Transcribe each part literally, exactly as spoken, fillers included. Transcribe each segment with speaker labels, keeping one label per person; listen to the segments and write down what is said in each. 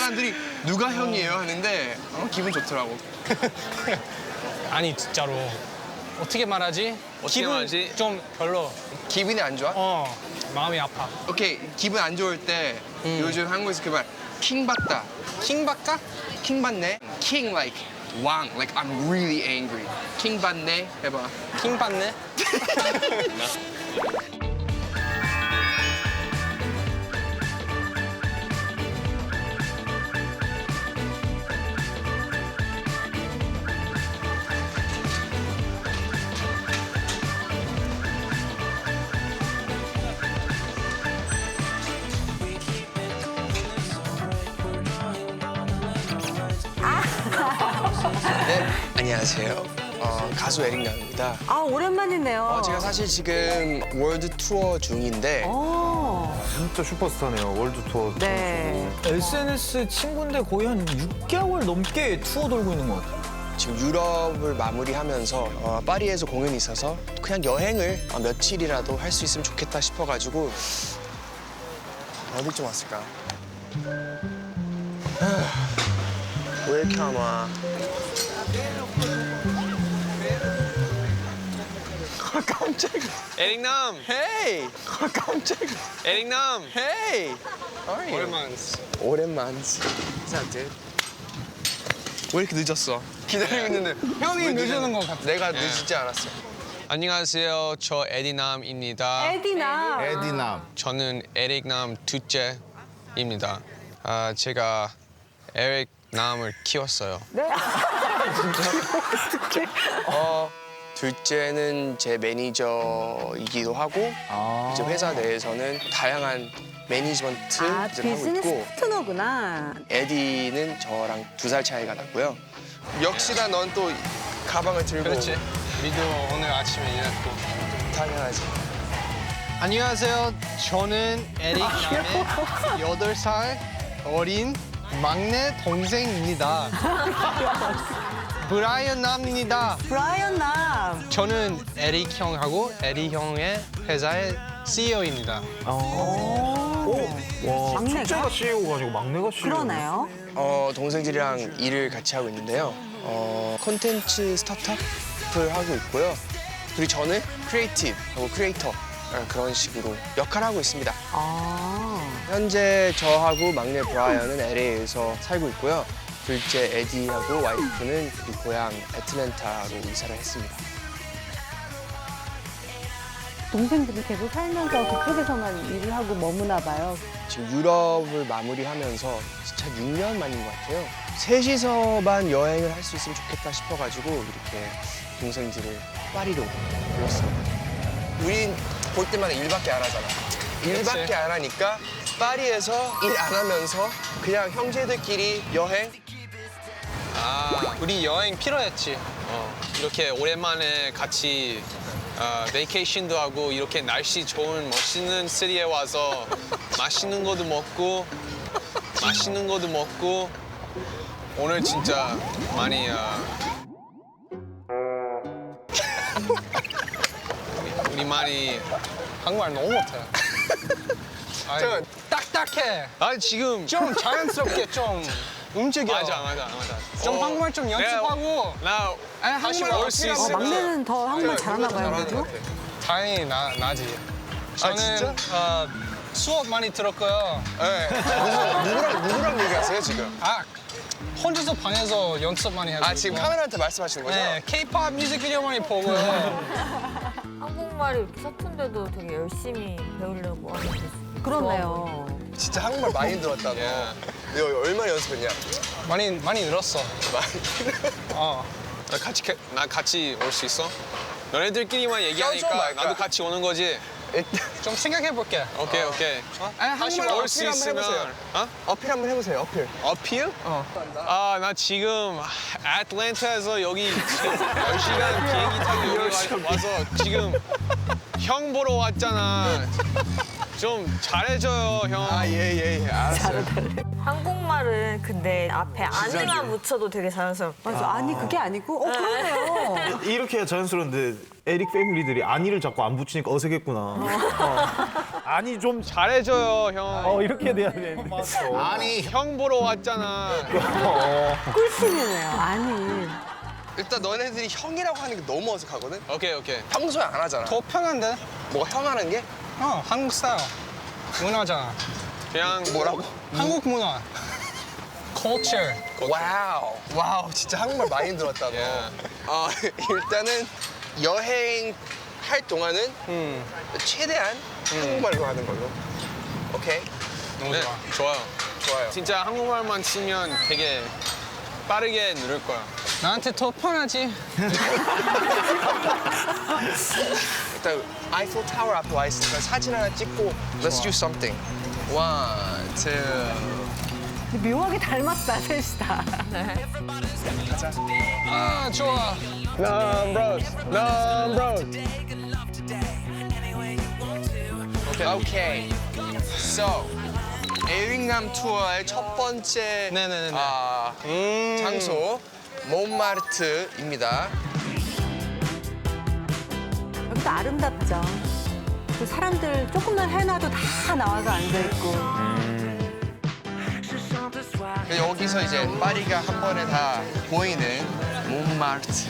Speaker 1: 사람들이 누가 형이에요 하는데 어, 기분 좋더라고.
Speaker 2: 아니 진짜로 어떻게 말하지?
Speaker 1: 어떻게
Speaker 2: 기분
Speaker 1: 말하지?
Speaker 2: 좀 별로.
Speaker 1: 기분이 안 좋아?
Speaker 2: 어 마음이 아파.
Speaker 1: 오케이, 기분 안 좋을 때
Speaker 2: 음.
Speaker 1: 요즘 한국에서 그 말 킹 받다.
Speaker 2: 킹 받까?
Speaker 1: 킹 받네? king like 왕, like I'm really angry. 킹 받네 해봐.
Speaker 2: 킹 받네?
Speaker 1: 네, 안녕하세요. 어, 가수 에릭남입니다.
Speaker 3: 아, 오랜만이네요.
Speaker 1: 어, 제가 사실 지금 월드 투어 중인데
Speaker 3: 어,
Speaker 4: 진짜 슈퍼스타네요. 월드 투어.
Speaker 3: 네.
Speaker 5: 에스엔에스 친구인데 거의 한 육 개월 넘게 투어 돌고 있는 것 같아요.
Speaker 1: 지금 유럽을 마무리하면서 어, 파리에서 공연이 있어서 그냥 여행을 어, 며칠이라도 할 수 있으면 좋겠다 싶어가지고 어디 좀 왔을까? 하, 왜 이렇게 안 와? 아, 깜짝이야.
Speaker 2: 에릭남!
Speaker 1: 헤이! 아, 깜짝이야.
Speaker 2: 에릭남!
Speaker 1: 헤이!
Speaker 2: 오랜만.
Speaker 1: 오랜만. 인사한테. 왜 이렇게 늦었어? 기다리고 있는데
Speaker 2: 형이 늦는 것 같아.
Speaker 1: 내가 늦지 않았어.
Speaker 6: 안녕하세요. 저 에디남입니다.
Speaker 3: 에디나.
Speaker 4: 에디남.
Speaker 6: 저는 에릭남 둘째입니다. 아, 제가 에릭남을 키웠어요.
Speaker 3: 네.
Speaker 1: 어, 둘째는 제 매니저이기도 하고 이제 회사 내에서는 다양한 매니지먼트를
Speaker 3: 아,
Speaker 1: 하고
Speaker 3: 비즈니스
Speaker 1: 있고
Speaker 3: 파트너구나.
Speaker 1: 에디는 저랑 두 살 차이가 났고요. 역시나 넌 또 가방을 들고
Speaker 2: 그렇지. 미도 오늘 아침에 일했고.
Speaker 1: 당연하지.
Speaker 2: 안녕하세요. 저는 에릭남의 여덟 살 어린 막내 동생입니다. 브라이언 남입니다.
Speaker 3: 브라이언 남.
Speaker 2: 저는 에릭 형하고 에릭 형의 회사의 씨이오입니다.
Speaker 4: 와,
Speaker 3: 막내가?
Speaker 4: 첫째가 씨이오가 아니고 막내가 씨이오.
Speaker 3: 그러네요.
Speaker 1: 어, 동생들이랑 일을 같이 하고 있는데요. 어, 콘텐츠 스타트업을 하고 있고요. 그리고 저는 크리에이티브하고 크리에이터 그런 식으로 역할을 하고 있습니다.
Speaker 3: 아.
Speaker 1: 현재 저하고 막내 브라이언은 엘에이에서 살고 있고요. 둘째 에디하고 와이프는 우리 고향 애틀랜타로 이사를 했습니다.
Speaker 3: 동생들이 계속 살면서 그쪽에서만 일을 하고 머무나 봐요.
Speaker 1: 지금 유럽을 마무리하면서 진짜 육 년 만인 것 같아요. 셋이서만 여행을 할 수 있으면 좋겠다 싶어가지고 이렇게 동생들을 파리로 불렀습니다. 우린 볼 때마다 일밖에 안 하잖아. 일밖에 안 하니까 파리에서 일 안 하면서 그냥 형제들끼리 여행.
Speaker 2: 아, 우리 여행 필요했지.
Speaker 6: 어, 이렇게 오랜만에 같이 어, 베이케이션도 하고 이렇게 날씨 좋은 멋있는 시리에 와서 맛있는 것도 먹고 맛있는 것도 먹고 오늘 진짜 많이 어, 우리, 우리 많이
Speaker 2: 한국말 너무 못해. 아이,
Speaker 1: 잠깐.
Speaker 2: 딱딱해.
Speaker 6: 아 지금
Speaker 2: 좀 자연스럽게 좀 움직여.
Speaker 6: 맞아 맞아 맞아
Speaker 2: 좀
Speaker 6: 어,
Speaker 2: 한국말 좀 연습하고.
Speaker 6: 나
Speaker 2: 아니,
Speaker 6: 다시
Speaker 2: 한국말
Speaker 6: 올 수
Speaker 2: 어필하고.
Speaker 3: 어,
Speaker 6: 있으면
Speaker 3: 막내는 더 한국말 잘하나 봐요,
Speaker 1: 잘하는
Speaker 3: 그죠?
Speaker 1: 것 같아.
Speaker 2: 다행히 나, 나지. 저는
Speaker 1: 진짜?
Speaker 2: 어, 수업 많이 들었고요.
Speaker 1: 네. 누구, 누구랑 누구랑 얘기하세요 지금?
Speaker 2: 아, 혼자서 방에서 연습 많이 하고
Speaker 1: 아 지금
Speaker 2: 있고.
Speaker 1: 카메라한테 말씀하시는 거죠?
Speaker 2: 네, K-팝 뮤직비디오 많이 보고요.
Speaker 7: 한국말이 이렇게 서툰데도 되게 열심히 배우려고 하는 게
Speaker 3: 그렇네요.
Speaker 1: 진짜 한국말 많이 들었다 너.
Speaker 6: 예.
Speaker 1: 너 얼마나 연습했냐?
Speaker 2: 많이 많이 늘었어.
Speaker 1: 많이.
Speaker 2: 어.
Speaker 6: 나 같이 캐- 나 같이 올 수 있어? 너네들끼리만
Speaker 1: 껴줘
Speaker 6: 얘기하니까
Speaker 1: 말까?
Speaker 6: 나도 같이 오는 거지.
Speaker 2: 좀 생각해 볼게.
Speaker 6: 오케이 오케이.
Speaker 2: 아니,
Speaker 6: 다시
Speaker 2: 한국말
Speaker 6: 올 수
Speaker 1: 어필 한번
Speaker 6: 있으면
Speaker 1: 해보세요.
Speaker 6: 어?
Speaker 1: 어필 한번 해보세요. 어필.
Speaker 6: 어필? 아, 나 지금 애틀랜타에서 여기 지금 열 시간 비행기 타고 여기 와, 와서 지금 형 보러 왔잖아. 좀 잘해줘요, 형.
Speaker 1: 아 예 예 예. 알았어요.
Speaker 7: 한국말은 근데 앞에 아니만 붙여도 되게 자연스럽고
Speaker 3: 맞아. 아니, 그게 아니고, 어, 그러네요.
Speaker 4: 이렇게 해야 자연스러운데 에릭 패밀리들이 안이를 자꾸 안 붙이니까 어색했구나. 어. 아니 좀
Speaker 2: 잘해줘요 형.
Speaker 5: 어 이렇게 돼야 되는데.
Speaker 6: 아니
Speaker 2: 형 보러 왔잖아.
Speaker 3: 꿀팁이네요. 아니.
Speaker 1: 일단 너네들이 형이라고 하는 게 너무 어색하거든?
Speaker 6: 오케이 오케이.
Speaker 1: 평소에 안 하잖아.
Speaker 2: 더 편한데?
Speaker 1: 뭐가 형 하는 게?
Speaker 2: 어 한국 스타일. 문화잖아.
Speaker 6: 그냥
Speaker 1: 뭐라고?
Speaker 2: 한국 문화. culture.
Speaker 1: 와우. 와우, 진짜 한국말 많이 들었다, 너.
Speaker 6: 예.
Speaker 1: 어, 일단은 여행 할 동안은
Speaker 2: 음.
Speaker 1: 최대한 한국말로 하는 걸로. 오케이?
Speaker 2: 너무
Speaker 6: 네,
Speaker 2: 좋아.
Speaker 6: 좋아요.
Speaker 1: 좋아요.
Speaker 6: 진짜 한국말만 치면 되게 빠르게 누를 거야.
Speaker 2: 나한테 더 편하지.
Speaker 1: 일단 아이플 타워 앞에 와 있으니까 사진 하나 찍고 Let's do something. One, two.
Speaker 3: 묘하게 닮았다, 셋이 다.
Speaker 2: 아 좋아.
Speaker 1: Numbers, numbers.
Speaker 6: 오케이.
Speaker 1: 오케이. So, 에릭남 투어의 첫 번째
Speaker 2: 네네네네.
Speaker 1: 아,
Speaker 2: 음.
Speaker 1: 장소 몬마르트입니다.
Speaker 3: 여기도 아름답죠. 그 사람들 조금만 해놔도 다 나와서 앉아있고.
Speaker 1: 여기서 이제 파리가 한 번에 다 보이는 몬마르트.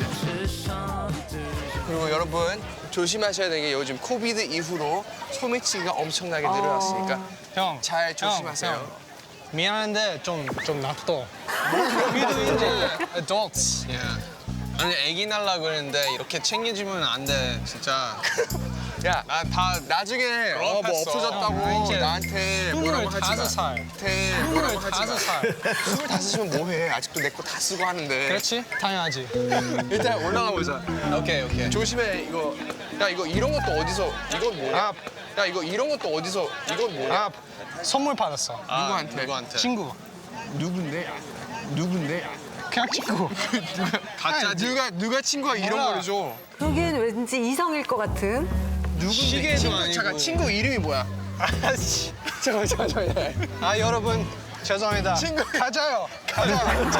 Speaker 1: 그리고 여러분 조심하셔야 되는 게 요즘 코비드 이후로 소매치기가 엄청나게 늘어났으니까
Speaker 2: 형.
Speaker 1: 잘
Speaker 2: 형,
Speaker 1: 조심하세요.
Speaker 2: 형. 미안한데 좀 좀 놔둬. 우리도 이제 adults.
Speaker 6: 예. 아니 애기 날라 그랬는데 이렇게 챙겨주면 안 돼 진짜.
Speaker 1: 야,
Speaker 6: 나 다
Speaker 1: 나중에 어, 뭐
Speaker 6: 졸업했어.
Speaker 1: 없어졌다고
Speaker 2: 형, 이제
Speaker 1: 나한테 뭐라고 하지 마.
Speaker 2: 스물다섯 살.
Speaker 1: 나한테 뭐라고 하지
Speaker 2: 스물다섯
Speaker 1: 마.
Speaker 2: 살.
Speaker 1: 스물다섯이면 뭐해? 아직도 내 거 다 쓰고 하는데.
Speaker 2: 그렇지? 당연하지.
Speaker 1: 일단 올라가 보자.
Speaker 6: 오케이 오케이.
Speaker 1: 조심해 이거. 야 이거 이런 것도 어디서? 이건 뭐야?
Speaker 2: 아,
Speaker 1: 야 이거 이런 것도 어디서? 이건 뭐야?
Speaker 2: 아 선물 받았어.
Speaker 6: 아,
Speaker 1: 누구한테?
Speaker 6: 누구한테?
Speaker 2: 친구.
Speaker 1: 누군데? 누군데?
Speaker 2: 그냥 친구.
Speaker 6: 가짜지.
Speaker 1: 누가 누가 친구가 이런
Speaker 2: 몰라.
Speaker 1: 거를 줘?
Speaker 3: 여기엔 왠지 이성일 것 같은.
Speaker 1: 누군데?
Speaker 6: 시계도
Speaker 1: 친구,
Speaker 6: 아니고.
Speaker 1: 잠깐 친구 이름이 뭐야?
Speaker 2: 아씨.
Speaker 1: 잠깐 잠깐 잠깐.
Speaker 2: 아 여러분 죄송합니다.
Speaker 1: 친구.
Speaker 2: 가자요. 가자.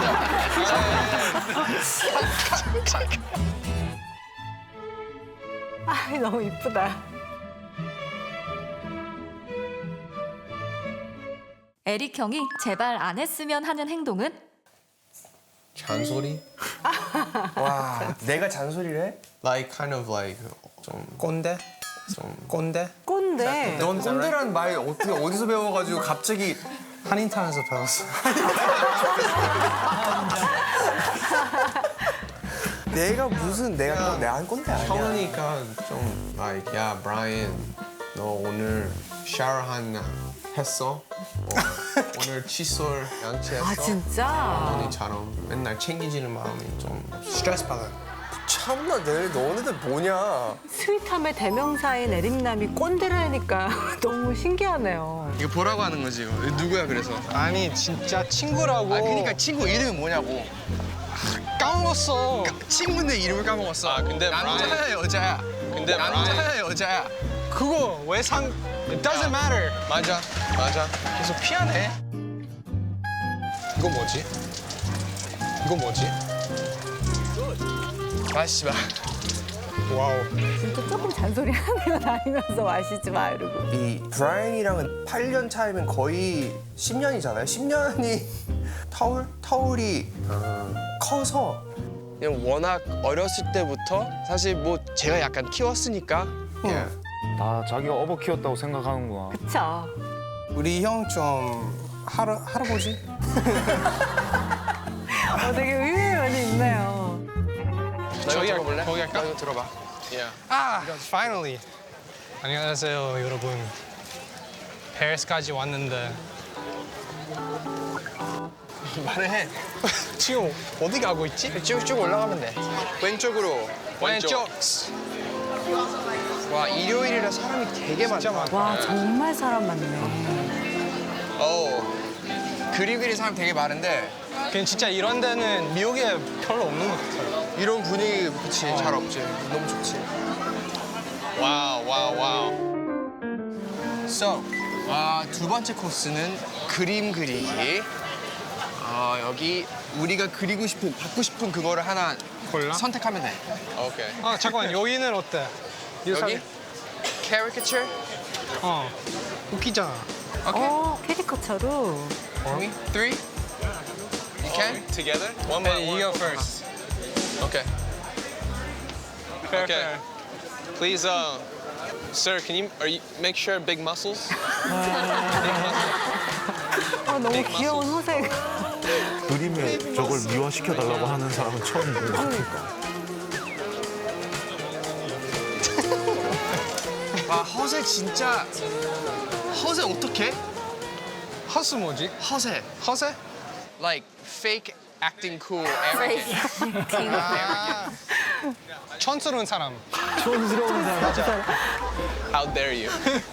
Speaker 3: 아, 너무 이쁘다.
Speaker 8: 에릭 형이 제발 안 했으면 하는 행동은?
Speaker 6: 잔소리?
Speaker 1: 와, 내가 잔소리를 해?
Speaker 6: Like kind of like 좀
Speaker 2: 꼰대?
Speaker 6: 좀
Speaker 2: 꼰대?
Speaker 3: 꼰대.
Speaker 1: 넌 꼰대라는 말 어떻게 어디서 배워가지고 갑자기
Speaker 2: 한인타운에서 배웠어.
Speaker 1: 내가 무슨 내가 내가 한 꼰대 아니야?
Speaker 6: 형이니까 좀 like 야 브라이언 너 오늘 샤워 한 했어? 어, 오늘 칫솔 양치했어?
Speaker 3: 아, 진짜?
Speaker 6: 언니처럼 맨날 챙기지는 마음이 좀
Speaker 2: 스트레스 받아요.
Speaker 1: 참나 내 너네들 뭐냐?
Speaker 3: 스윗함의 대명사인 에릭남이 꼰대라니까 너무 신기하네요.
Speaker 1: 이거 보라고 하는 거지 이거. 누구야 그래서?
Speaker 2: 아니 진짜 친구라고.
Speaker 1: 아 그러니까 친구 이름이 뭐냐고.
Speaker 2: 까먹었어.
Speaker 1: 친구인데 이름을 까먹었어.
Speaker 6: 아, 근데
Speaker 1: 남자야
Speaker 6: 브라이언-
Speaker 1: 여자야?
Speaker 6: 근데
Speaker 1: 남자야 여자야?
Speaker 2: 그거 왜 상? It doesn't matter.
Speaker 6: 맞아 맞아.
Speaker 2: 계속 피하네. 이거 뭐지? 이거 뭐지?
Speaker 1: 마시지 마.
Speaker 2: 와우.
Speaker 3: 진짜 조금 잔소리 하네요. 다니면서 마시지 마 이러고.
Speaker 1: 이 브라이언이랑은 팔 년 차이면 거의 십 년이잖아요. 십 년이 타울? 타울이 커서 그냥 워낙 어렸을 때부터 사실 뭐 제가 약간 키웠으니까 예.
Speaker 4: 다 자기가 업어 키웠다고 생각하는구나.
Speaker 3: 그쵸?
Speaker 2: 우리 형 좀 할아 할아버지?
Speaker 3: 어, 되게 의외의 면이 있네요.
Speaker 1: 너 이거
Speaker 2: 저기 할-
Speaker 1: 들어볼래?
Speaker 2: 거기 할까?
Speaker 1: 너 이거 들어봐.
Speaker 6: Yeah.
Speaker 2: 아, finally. 안녕하세요, 여러분. 페리스까지 왔는데
Speaker 1: 말해.
Speaker 2: 지금 어디 가고 있지?
Speaker 1: 쭉쭉 올라가면 돼. 왼쪽으로.
Speaker 2: 왼쪽.
Speaker 1: 와 일요일이라 사람이 되게 많다.
Speaker 2: 진짜 많다.
Speaker 3: 와, 정말 사람 많네.
Speaker 1: 어. 그리그리 사람 되게 많은데
Speaker 2: 그냥 진짜 이런 데는 미국에 별로 없는 것 같아요.
Speaker 1: 이런 분위기 그치 잘 없지. 너무 좋지.
Speaker 6: 와우 와우 와우.
Speaker 1: So, 아, 두 번째 코스는 그림 그리기. 아, 여기 우리가 그리고 싶은, 받고 싶은 그거를 하나
Speaker 2: 골라?
Speaker 1: 선택하면 돼.
Speaker 6: 오케이.
Speaker 2: 아, 잠깐만. 여기는 어때? 이
Speaker 1: 여기?
Speaker 2: 사람-
Speaker 1: caricature?
Speaker 2: 어. 웃기잖아.
Speaker 3: 어, 캐리커처로.
Speaker 9: Me? Three? You can?
Speaker 6: Together? One by
Speaker 2: Hey,
Speaker 6: one.
Speaker 2: you go first.
Speaker 6: Okay.
Speaker 2: Fair,
Speaker 6: Okay.
Speaker 2: fair.
Speaker 6: Please, uh, sir, can you, are you make sure big muscles?
Speaker 3: 어, 너무 귀여운 허세가.
Speaker 4: 그림에 저걸 미화시켜달라고 하는 사람은 처음 본 것 같아.
Speaker 1: 아 허세 진짜 허세 어떡해?
Speaker 2: 허스 뭐지?
Speaker 1: 허세.
Speaker 2: 허세?
Speaker 9: Like fake acting cool arrogant.
Speaker 2: 아. 촌스러운 사람.
Speaker 5: 촌스러운 사람.
Speaker 6: How dare you?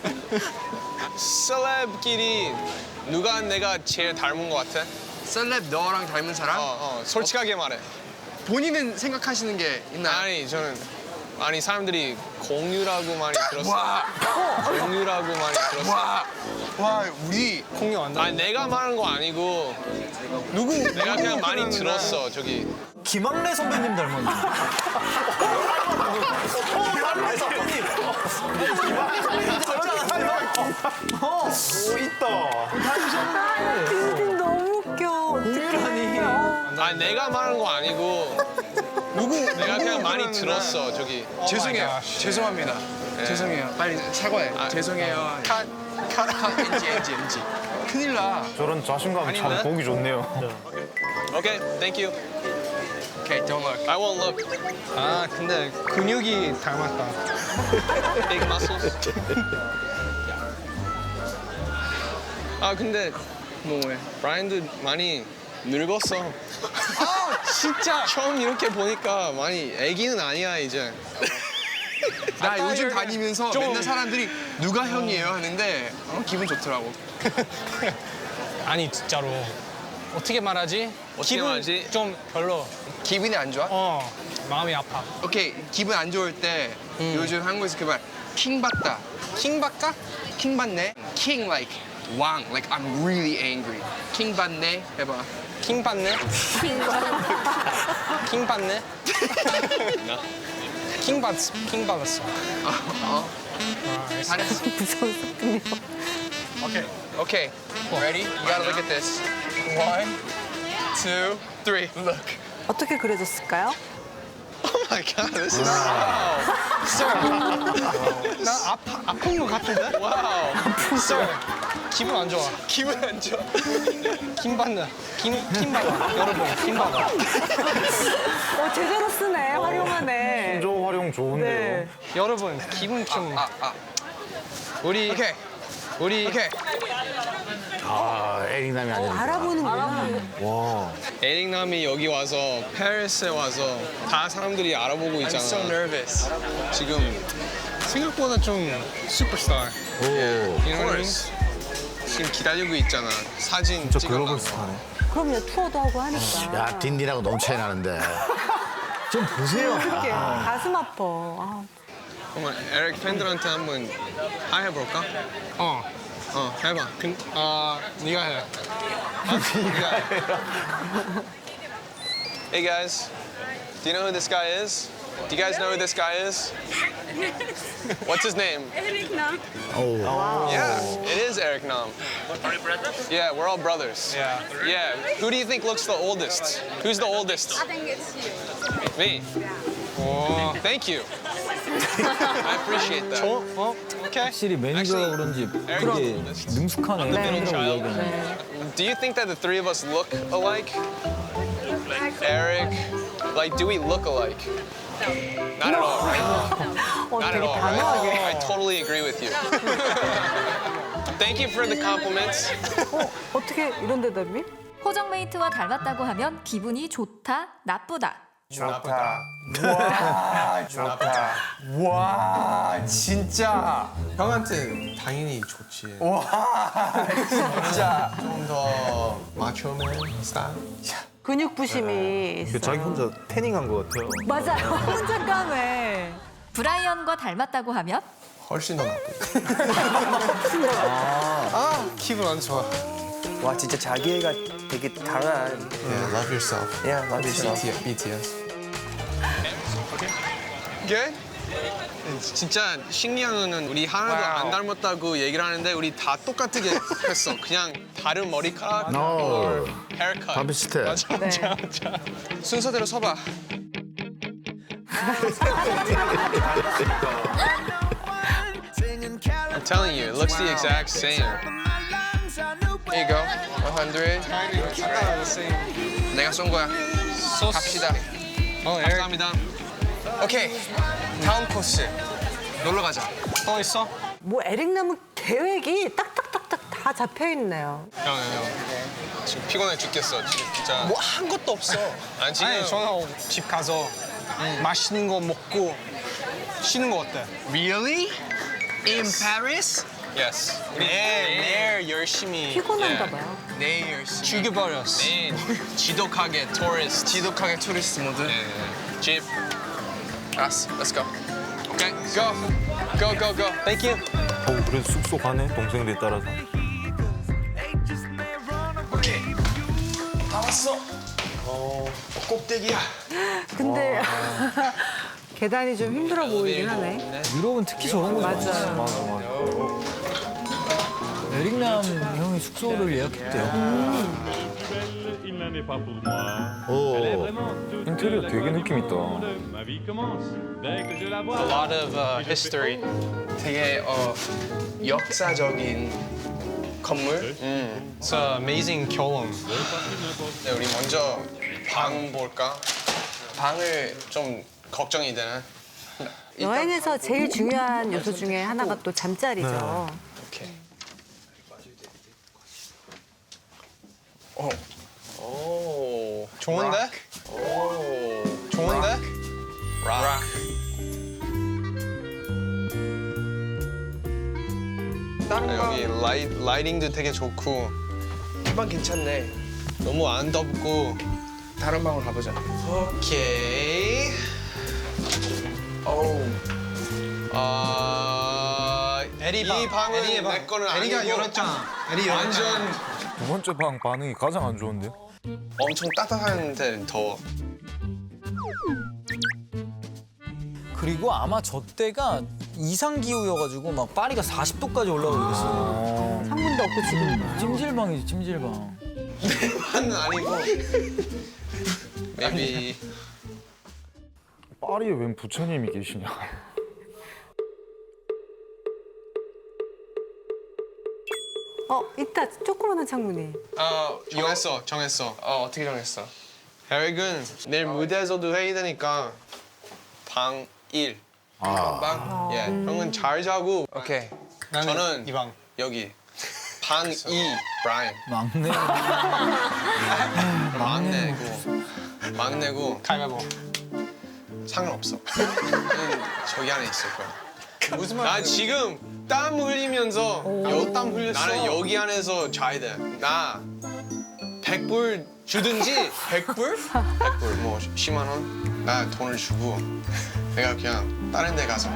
Speaker 6: 셀럽끼리 누가 내가 제일 닮은 것 같아?
Speaker 1: 셀럽 너랑 닮은 사람?
Speaker 6: 어, 어, 솔직하게 말해.
Speaker 1: 본인은 생각하시는 게 있나요?
Speaker 6: 아니, 저는 아니 사람들이 공유라고 많이 들었어.
Speaker 1: 와,
Speaker 6: 공유라고 많이 들었어.
Speaker 1: 와, 와, 우리
Speaker 2: 공유 안 돼.
Speaker 6: 아니 내가 말한 거 아니고 누구 내가 그냥 많이 들었어 저기.
Speaker 5: 김학래 선배님 닮았네. 김학래 선배님. 김학래 선배님 닮았잖아. 어, 있다.
Speaker 3: 딘딘 너무 웃겨.
Speaker 5: 공유라니.
Speaker 6: 아니 내가 말한 거 아니고 누구 내가 그냥 많이 들었어 저기.
Speaker 1: 죄송해요.
Speaker 2: gosh.
Speaker 1: 죄송합니다. 죄송해요. 빨리 사과해.
Speaker 6: 아,
Speaker 1: 죄송해요. 컷, 컷, 컷, 엔지, 엔지, 엔지. 큰일 나.
Speaker 4: 저런 자신감 참 보기 좋네요.
Speaker 6: Okay, thank you.
Speaker 1: Okay, don't look.
Speaker 6: I won't look.
Speaker 2: 아, 근데 근육이 닮았다.
Speaker 6: Big muscles. 아 근데
Speaker 1: 뭐해?
Speaker 6: 브라이언도 많이 늙었어. 아 진짜 처음 이렇게 보니까 많이 애기는 아니야 이제.
Speaker 1: 나 요즘 다니면서
Speaker 6: 좀-
Speaker 1: 맨날 사람들이 누가 형이에요 하는데 어, 기분 좋더라고.
Speaker 2: 아니, 진짜로. 어떻게 말하지?
Speaker 6: 어떻게
Speaker 2: 기분
Speaker 6: 말하지?
Speaker 2: 좀 별로.
Speaker 1: 기분이 안 좋아?
Speaker 2: 어, 마음이 아파.
Speaker 1: 오케이, 기분 안 좋을 때 요즘 한국에서 그 말 킹 받다.
Speaker 2: 킹 받까?
Speaker 1: 킹 받네. king like 왕, like I'm really angry. 킹 받네 해봐.
Speaker 2: 킹 받네? 킹 받네? 킹 받, 킹 받았어.
Speaker 1: 어, 어.
Speaker 2: 아, 알겠어.
Speaker 1: 잘했어.
Speaker 3: 무서운 소리네요.
Speaker 2: 오케이.
Speaker 9: Okay, ready? You gotta look at this. One, two, three. Look.
Speaker 3: 어떻게 그려졌을까요?
Speaker 6: Oh my god, this is
Speaker 2: 나 아파, 아픈 것 같은데?
Speaker 6: wow.
Speaker 2: Sir, 기분 안 좋아.
Speaker 6: 기분 안 좋아.
Speaker 2: 킹 받네. 킹, 킹 받아. 여러분, 킹 받아.
Speaker 3: 어, 제대로 쓰네. 활용하네.
Speaker 4: 신조 활용 좋은데요.
Speaker 3: 네.
Speaker 2: 여러분, 기분 좀.
Speaker 9: 아, 아.
Speaker 2: 우리,
Speaker 9: Okay,
Speaker 2: 우리.
Speaker 9: okay.
Speaker 4: 아, 에릭남이 아니라.
Speaker 3: 알아보는구나.
Speaker 4: 와.
Speaker 6: 에릭남이 여기 와서 페리스에 와서 다 사람들이 알아보고
Speaker 9: I'm
Speaker 6: 있잖아.
Speaker 9: so nervous.
Speaker 6: 지금
Speaker 2: 생각보다 좀 슈퍼스타.
Speaker 4: 오.
Speaker 6: you know what I mean? 지금 기다리고 있잖아. 사진
Speaker 4: 진짜
Speaker 6: 찍어달라고.
Speaker 4: 글로벌 스타네.
Speaker 3: 그럼요, 투어도 하고 하니까.
Speaker 10: 야, 딘딘하고 너무 차이 나는데.
Speaker 5: 좀 보세요.
Speaker 3: 그렇게 가슴 아파. 아,
Speaker 6: 그러면 에릭 팬들한테 한번 하이 해볼까?
Speaker 2: 어.
Speaker 6: 어, 해봐.
Speaker 2: 근, 아, 네가 해. 네가 해.
Speaker 6: Hey guys, do you know who this guy is? Do you guys know who this guy is? What's his name?
Speaker 10: 오.
Speaker 6: Yeah, it is Eric Nam. Are you brothers? Yeah, we're all brothers.
Speaker 2: Yeah.
Speaker 6: Yeah. Who do you think looks the oldest? Who's the oldest?
Speaker 11: I think it's you.
Speaker 6: Me.
Speaker 2: 오.
Speaker 6: Thank you. I appreciate that.
Speaker 2: 어? 어? 오케이.
Speaker 5: 확실히 매니저라 그런지 되게 능숙하네.
Speaker 6: middle
Speaker 5: 팬이라고
Speaker 6: child.
Speaker 5: 이야기하는.
Speaker 6: Do you think that the three of us look alike? Eric, like, do we look alike? Not at all, right?
Speaker 3: 어,
Speaker 6: Not at
Speaker 3: 되게
Speaker 6: all, right?
Speaker 3: 단호하게.
Speaker 6: I totally agree with you. Thank you for the compliments.
Speaker 3: 어, 어떻게 이런 대답이?
Speaker 8: 호정메이트와 닮았다고 하면 기분이 좋다, 나쁘다.
Speaker 5: 와, 진짜.
Speaker 1: 형한테 당연히 좋지.
Speaker 5: 진짜.
Speaker 1: 좀 더 마초맨 스타일.
Speaker 3: 근육 부심이 있어.
Speaker 4: 자기 혼자 태닝한 것 같아요.
Speaker 3: 맞아요. 혼자 까매.
Speaker 8: 브라이언과 닮았다고 하면
Speaker 1: 훨씬 더 나쁘다.
Speaker 2: 기분 안 좋아.
Speaker 1: 와 진짜 자기애가 되게 강한. Yeah, love yourself. Yeah, love yourself. B T S.
Speaker 6: Good? 진짜 신기한 거는 우리 하나도
Speaker 9: 와우.
Speaker 6: 안 닮았다고 얘기를 하는데 우리 다 똑같게 했어. 그냥 다른 머리카락,
Speaker 10: No.
Speaker 6: 헤어컷.
Speaker 10: 다 비슷해.
Speaker 6: 맞아,
Speaker 3: 네.
Speaker 6: 맞아, 맞아. 순서대로 서봐. I'm telling you, it looks the exact same.
Speaker 9: Here you go. one hundred. 내가 쏜 거야. 갑시다.
Speaker 6: 어, 감사합니다.
Speaker 9: 오케이. 다음 코스. 놀러 가자.
Speaker 2: 또 있어?
Speaker 3: 뭐 에릭남은 계획이 딱딱딱딱 다 잡혀 있네요.
Speaker 6: 형, 형, 형. 지금 피곤해 죽겠어. 지금 진짜.
Speaker 2: 뭐 한 것도 없어.
Speaker 6: 아니, 지금
Speaker 2: 아니, 저는 집 가서 맛있는 거 먹고 쉬는 거 어때?
Speaker 6: Really? In Paris? Yes. 우리 내일, 내일 열심히
Speaker 3: 피곤한가
Speaker 6: 예,
Speaker 3: 봐요.
Speaker 9: 내일 열심히.
Speaker 2: 죽여버렸어.
Speaker 6: 내일 지독하게 토리스트.
Speaker 9: 지독하게 투리스트 모드.
Speaker 6: 예, 예. 집.
Speaker 9: 알았어. Let's go.
Speaker 6: 오케이. Go. Go, go, go.
Speaker 2: Thank you.
Speaker 4: 어, 그래도 쑥쑥 가네, 동생들이 따라서.
Speaker 6: 오케이. 다 왔어. 어, 꼭대기야.
Speaker 3: 근데 계단이 좀 힘들어 보이긴 하네.
Speaker 5: 유럽은 특히 저런 거 많아.
Speaker 3: 맞아요.
Speaker 4: 맞아, 맞아.
Speaker 5: 에릭남 형이 숙소를 예약했대요.
Speaker 10: 오.
Speaker 4: 인테리어 되게 느낌 있다.
Speaker 6: A lot of uh, history.
Speaker 9: 되게 어 역사적인 건물.
Speaker 6: 음.
Speaker 2: It's an amazing 결혼.
Speaker 6: 네, 우리 먼저 방 볼까?
Speaker 9: 방을
Speaker 6: 좀 걱정이 되네.
Speaker 3: 여행에서 제일 중요한 요소 중에 하나가 또 잠자리죠.
Speaker 6: 오케이. 오. 오.
Speaker 2: 좋은데?
Speaker 6: 오.
Speaker 2: 좋은데?
Speaker 6: 락.
Speaker 9: 다른
Speaker 6: 여기 라이, 라이팅도 되게 좋고
Speaker 9: 방 괜찮네.
Speaker 6: 너무 안 덥고.
Speaker 9: 다른 방으로 가보자.
Speaker 6: 오케이.
Speaker 9: 오.
Speaker 6: 아,
Speaker 2: 에리
Speaker 6: 이
Speaker 2: 방.
Speaker 6: 방은
Speaker 2: 에리의 방.
Speaker 6: 내 거는
Speaker 2: 에리가
Speaker 6: 아니고
Speaker 2: 열었잖아. 에리 열었잖아.
Speaker 6: 완전
Speaker 4: 두 번째 방 반응이 가장 안 좋은데요?
Speaker 6: 엄청 따뜻한데 더워.
Speaker 5: 그리고 아마 저 때가 이상 기후여가지고 막 파리가 사십 도까지 올라가고 그랬어요.
Speaker 3: 창문도 없고 지금.
Speaker 5: 찜질방이지 찜질방.
Speaker 6: 방은 아니고. Maybe.
Speaker 4: 파리에 웬 부처님이 계시냐?
Speaker 3: 어, 있다. 조그마한 창문이.
Speaker 6: 어, 정했어, 정했어.
Speaker 9: 어 어떻게 정했어?
Speaker 6: 에릭은 내일 무대에서도 해야 되니까 방 일.
Speaker 9: 방.
Speaker 6: 예, 형은 잘 자고.
Speaker 9: 오케이.
Speaker 2: 나는
Speaker 6: 저는
Speaker 2: 이 방.
Speaker 6: 여기. 방 이, 브라이언.
Speaker 5: 막내.
Speaker 6: 막내고. 막내고.
Speaker 2: 가위바위보.
Speaker 6: 상관없어. 응, 저기 안에 있을 거야. 무슨 말? 나 지금 땀 흘리면서 여, 땀 흘렸어. 나는 여기 안에서 자야 돼. 나 백 불 주든지 백 불? 백 불, 뭐 십만 원? 나 돈을 주고 내가 그냥 다른 데 가서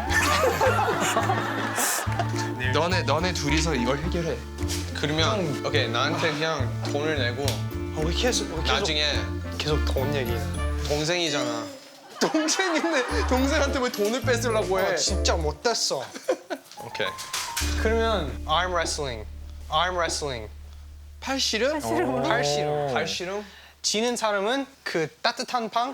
Speaker 9: 너네 너네 둘이서 이걸 해결해.
Speaker 6: 그러면 오케이 나한테 그냥 돈을 내고
Speaker 2: 어, 왜 계속, 왜 계속,
Speaker 6: 나중에
Speaker 2: 계속 돈 얘기해.
Speaker 6: 동생이잖아. 동생인데 동생한테 왜 돈을 뺏으려고 해?
Speaker 2: 아, 진짜 못됐어.
Speaker 6: 오케이.
Speaker 2: 그러면 arm wrestling. arm wrestling.
Speaker 6: 팔씨름?
Speaker 3: 팔씨름으로?
Speaker 6: 팔씨름. 팔씨름?
Speaker 2: 지는 사람은 그 따뜻한 방?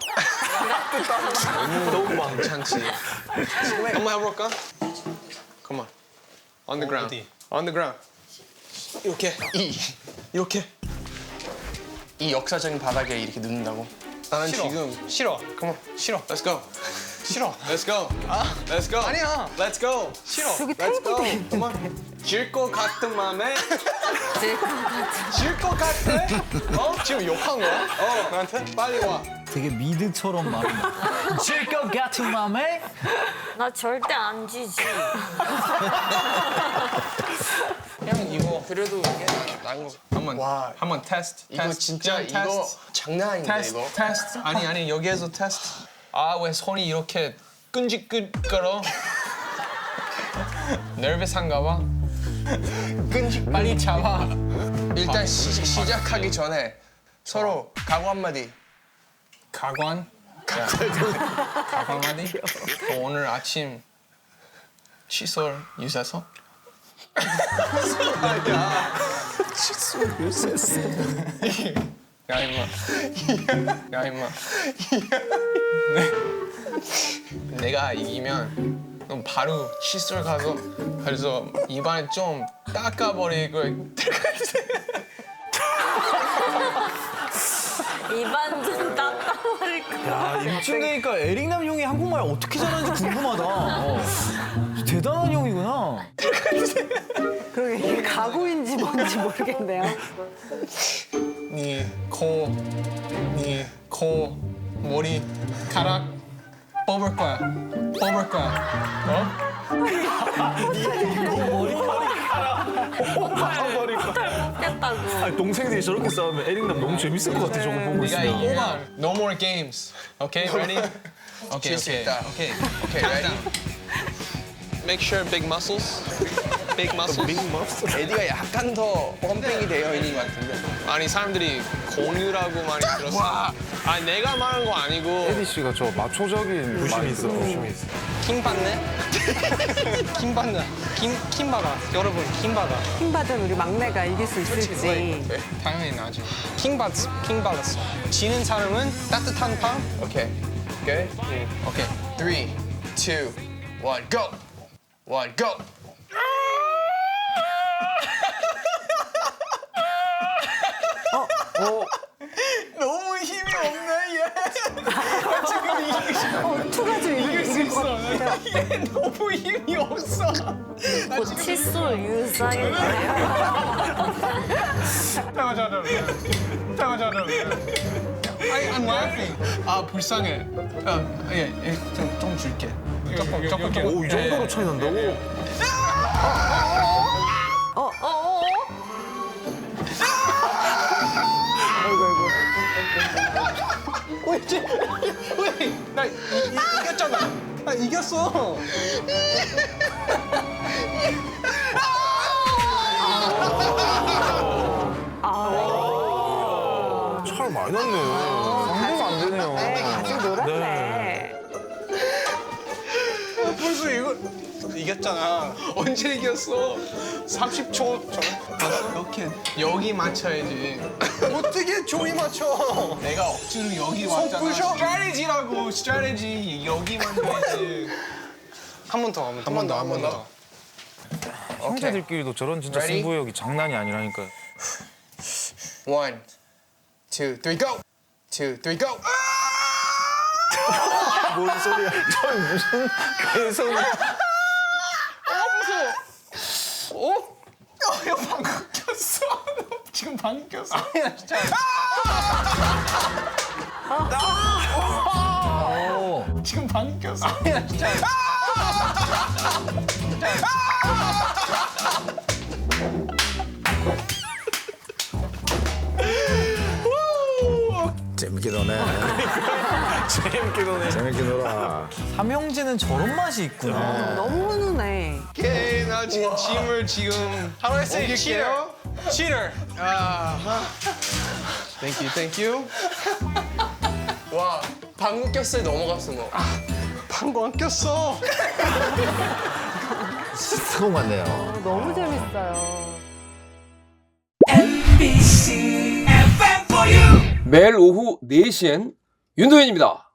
Speaker 6: 너무 너무 괜찮지. 한번 해볼까? Come on. On the ground.
Speaker 2: 어디?
Speaker 6: On the ground. 이렇게. 이. 이렇게.
Speaker 9: 이 역사적인 바닥에 이렇게 눕는다고?
Speaker 6: 나는
Speaker 2: 싫어.
Speaker 6: 지금.
Speaker 2: 싫어.
Speaker 6: Come on.
Speaker 2: 싫어.
Speaker 6: Let's go.
Speaker 2: 싫어.
Speaker 6: Let's go. 아, Let's go.
Speaker 2: 아니야.
Speaker 6: Let's go.
Speaker 2: 싫어.
Speaker 3: 저기
Speaker 6: Let's go.
Speaker 3: 테이블도
Speaker 6: Come on. 질 것 같은 맘에. 질 것 같아? 어?
Speaker 2: 지금 욕한 거야?
Speaker 6: 어.
Speaker 2: 나한테?
Speaker 6: 빨리 와.
Speaker 5: 되게 미드처럼 말한다. 질것 같은 맘에?
Speaker 7: 나 절대 안 지지.
Speaker 6: 그냥 이거.
Speaker 9: 그래도 이게 나은 거.
Speaker 6: 한번.
Speaker 9: 와.
Speaker 6: 한번 테스트.
Speaker 9: 이거
Speaker 6: 테스트.
Speaker 9: 진짜
Speaker 6: 그냥
Speaker 9: 이거
Speaker 6: 테스트.
Speaker 9: 장난 아닌데
Speaker 6: 테스트,
Speaker 9: 이거.
Speaker 6: 테스트. 아니 아니 여기에서 테스트. 아 왜 손이 이렇게 끈질끈거려? nervous한가 봐. 끈질 빨리 잡아.
Speaker 9: 일단 시, 시작하기 전에 서로 각오 한마디.
Speaker 2: 가관?
Speaker 6: 각 한마디? 어, 오늘 아침 칫솔 유사서?
Speaker 1: 칫솔 요새서.
Speaker 6: 야 임마. 야 임마. 네. 내가 이기면 그럼 바로 칫솔 가서 그래서 입안에 좀 닦아버리고
Speaker 7: 입안 좀 닦아버릴 거.
Speaker 5: 야, 이쯤 되니까 에릭남 형이 한국말 어떻게 잘하는지 궁금하다. 어. 대단한 형이구나.
Speaker 3: 그러게 이게 가구인지 뭔지 모르겠네요.
Speaker 6: 네 코, 네 코, 머리카락 뽑을 거야. 뽑을 거야. 어?
Speaker 7: 겠다고.
Speaker 4: 아니, 동생들이 저렇게 싸우면 에릭남 너무 재밌을 것 같아. 저거 보고
Speaker 6: 네가
Speaker 4: 있으면.
Speaker 6: 이기면 no more games. Okay, ready? Okay, okay, okay, okay, ready? Make sure big muscles. Big muscles.
Speaker 1: 빅 머스. 에디가 약간 더 펌핑이 되어 있는 것 같은데.
Speaker 6: 아니 사람들이 공유라고 많이 들었어. 아니 내가 말한 거 아니고.
Speaker 4: 에디 씨가 저 마초적인 부심이 있어. 부심이 있어.
Speaker 2: 킹 받네? 킹 받네. 킹, 킹 받아. 여러분, 킹 받아.
Speaker 3: 킹받은 우리 막내가 이길 수 있을지.
Speaker 2: 당연히 나지. 킹 받, 킹 받았어. 지는 사람은 따뜻한 방?
Speaker 6: Okay, good. Okay, three, two, one, go. One, go. 너무 힘이 없네 얘.
Speaker 3: 투가 좀 이길 수 있어.
Speaker 6: 얘 너무 힘이 없어.
Speaker 7: 뭐 칫솔 유사인 거예요?
Speaker 2: 잠깐만, 잠깐만. 잠깐만, 잠깐만. I, I'm laughing.
Speaker 6: 아 불쌍해. 아, 예, 예, 좀, 좀 줄게. 조금, 조금, 조금.
Speaker 4: 오, 이 정도로 차이 난다고?
Speaker 7: 어, 어, 어?
Speaker 2: 왜, 이제- 왜? 나 이, 이, 이겼잖아. 나 이겼어.
Speaker 4: 차이 많이 났네. 상대가 안 되네요.
Speaker 3: 네, 같이 놀았네.
Speaker 2: 벌써 이거 이겼잖아.
Speaker 6: 언제 이겼어?
Speaker 2: 삼십 초 전.
Speaker 6: 이렇게 여기 맞춰야지.
Speaker 2: 어떻게 종이 맞춰?
Speaker 6: 내가 억지로 여기 왔잖아.
Speaker 2: 부셔?
Speaker 6: 스트래티지라고 스트래티지 여기 만들어야지.
Speaker 2: 한 번 더, 한 번 더, 한 번 더.
Speaker 4: 형제들끼리도 저런 진짜
Speaker 6: Ready?
Speaker 4: 승부욕이 장난이 아니라니까.
Speaker 6: One, two, three, go. Two, three, go.
Speaker 4: 뭔 소리야? 저 무슨 계속.
Speaker 6: 어? 야, 방금 꼈어. 지금 방금 꼈어.
Speaker 2: 아니야, 진짜.
Speaker 6: 지금 방금 꼈어.
Speaker 2: 아니야, 진짜.
Speaker 10: 재밌게 노네.
Speaker 4: 재밌게 노네.
Speaker 10: 재밌게 놀아.
Speaker 5: 삼형제는 저런 맛이 있구나.
Speaker 3: 너무 훈훈해.
Speaker 6: 오케이, 나 지금 짐을 지금
Speaker 2: How do I say
Speaker 6: 옮길게요.
Speaker 2: cheater?
Speaker 6: 아, thank you, thank you. 와, 방금 꼈어요. 넘어갔어 너.
Speaker 2: 방금 안 꼈어.
Speaker 10: 스톤 같네요.
Speaker 3: 너무 재밌어요.
Speaker 11: 매일 오후 네 시엔 윤도현입니다.